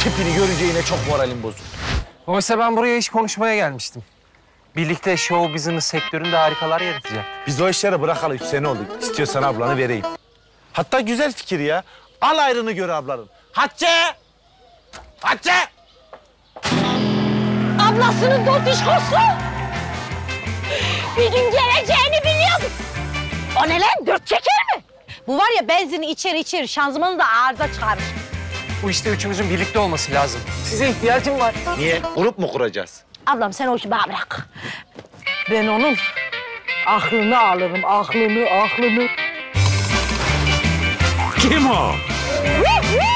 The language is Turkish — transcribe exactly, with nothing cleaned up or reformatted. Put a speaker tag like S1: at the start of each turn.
S1: tipini görünce yine çok moralim bozuldu.
S2: Oysa ben buraya iş konuşmaya gelmiştim. Birlikte show business sektöründe harikalar yaratacak.
S1: Biz o işleri bırakalı üç sene oldu. İstiyorsan ablanı vereyim. Hatta güzel fikir ya. Al ayrını gör ablanın. Hatice! Hatice!
S3: Ablasının dotişkosu. Bir gün geleceğini biliyordum. O ne lan? Dört çeker mi? Bu var ya benzini içer içer, şanzımanı da arıza çıkarır.
S2: Bu işte üçümüzün birlikte olması lazım. Size ihtiyacım var.
S1: Niye? Grup mu kuracağız?
S3: Ablam sen o işi bana bırak. Ben onun aklını alırım, aklını, aklını.
S4: Kim o?
S3: Hı, hı.